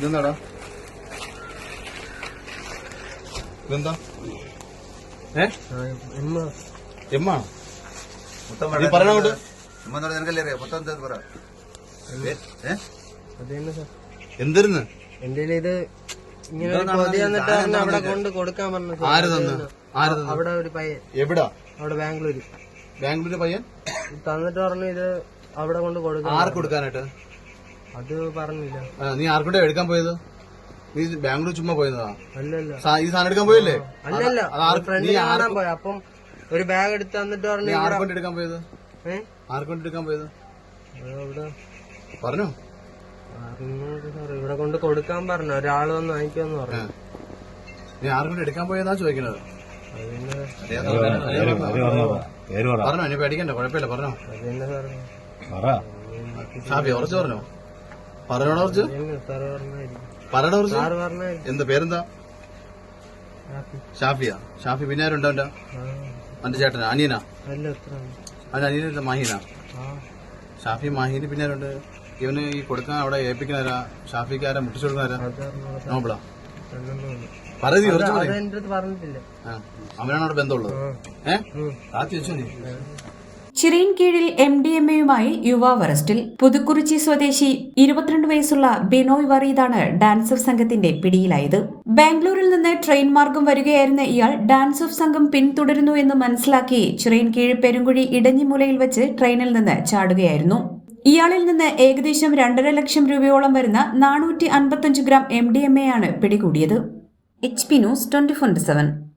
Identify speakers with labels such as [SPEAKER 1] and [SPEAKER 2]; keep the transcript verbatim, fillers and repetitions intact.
[SPEAKER 1] ഇതെന്താടാ ഇതെന്താ ഏ എമ്മാ നീ പറയണോട്ട് എന്തിരുന്ന്
[SPEAKER 2] എന്റെ ഇത് ഇങ്ങനെ ഒരു പൊതി വന്നിട്ട് പറഞ്ഞ് അവിടെ കൊണ്ട് കൊടുക്കാൻ പറഞ്ഞു.
[SPEAKER 1] ആര് തന്ന് ആര് തന്ന്
[SPEAKER 2] അവിടെ ഒരു പയ്യൻ
[SPEAKER 1] എവിടാ
[SPEAKER 2] അവിടെ ബാംഗ്ലൂര്
[SPEAKER 1] ബാംഗ്ലൂരിലെ പയ്യൻ
[SPEAKER 2] തന്നിട്ട് പറഞ്ഞു ഇത് അവിടെ കൊണ്ട് കൊടുക്കാൻ.
[SPEAKER 1] ആർക്ക് കൊടുക്കാനായിട്ട്?
[SPEAKER 2] അത് പറഞ്ഞില്ല.
[SPEAKER 1] നീ ആർക്കൂടെ എടുക്കാൻ പോയത്? നീ ബാംഗ്ലൂർ ചുമ്മാ പോയതാ?
[SPEAKER 2] അല്ലല്ല,
[SPEAKER 1] ഈ സാധനം എടുക്കാൻ പോയല്ലേ?
[SPEAKER 2] അല്ലല്ല, ഫ്രണ്ട് കാണാൻ പോയ. അപ്പം ഒരു ബാഗ് എടുത്ത് തന്നിട്ട് പറഞ്ഞു.
[SPEAKER 1] ആർക്കൊണ്ട് എടുക്കാൻ പോയത്? ഏഹ് ആർക്കൊണ്ട് എടുക്കാൻ പോയത് പറഞ്ഞു?
[SPEAKER 2] ഇവിടെ കൊണ്ട് കൊടുക്കാൻ പറഞ്ഞു. ഒരാള് വന്ന് വാങ്ങിക്കാന്ന് പറഞ്ഞു.
[SPEAKER 1] നീ ആർക്കൊണ്ട് എടുക്കാൻ പോയതാ ചോദിക്കണത്? പറഞ്ഞോ, ഇനി പേടിക്കണ്ട, കുഴപ്പമില്ല, പറഞ്ഞോ. ഷാഫി ഉറച്ചു പറഞ്ഞോ? പറഞ്ഞോടാ ഉറച്ച് പറയണ ഉറച്ച്. എന്താ പേരെന്താ? ഷാഫിയാ? ഷാഫി പിന്നെ ആരുണ്ടോ? അവന്റെ അവന്റെ ചേട്ടനാ? അനിയനാ? അവന്റെ അനിയന മാഹീനാ? ഷാഫി മാഹീന് പിന്നെ ആരുണ്ട്? ഇവന് ഈ കൊടുക്കാൻ അവിടെ ഏൽപ്പിക്കുന്നവരാ? ഷാഫിക്ക് ആരാ മുട്ടിച്ചു കൊടുക്കുന്നവരാ? നോബിളാ? പറയൂ, ഉറച്ചു പറയും. അവനാണ് അവിടെ ബന്ധമുള്ളത്. ഏഹ് ആദ്യം വെച്ചോ നീ.
[SPEAKER 3] ചിറയിൻ കീഴിൽ എം ഡി എം എയുമായി യുവാവ് അറസ്റ്റിൽ. പുതുക്കുറിച്ചി സ്വദേശി ഇരുപത്തിരണ്ട് വയസ്സുള്ള ബിനോയ് വറീദാണ് ഡാൻസ് ഓഫ് സംഘത്തിന്റെ പിടിയിലായത്. ബാംഗ്ലൂരിൽ നിന്ന് ട്രെയിൻ മാർഗം വരികയായിരുന്ന ഇയാൾ ഡാൻസ് ഓഫ് സംഘം പിന്തുടരുന്നു എന്ന് മനസ്സിലാക്കി ചിറയിൻ കീഴ് പെരുങ്കുഴി ഇടഞ്ഞിമൂലയിൽ വെച്ച് ട്രെയിനിൽ നിന്ന് ചാടുകയായിരുന്നു. ഇയാളിൽ നിന്ന് ഏകദേശം രണ്ടര ലക്ഷം രൂപയോളം വരുന്ന നാനൂറ്റി അൻപത്തിയഞ്ച് gram M D M A ആണ് പിടികൂടിയത്. H P news twenty four seven.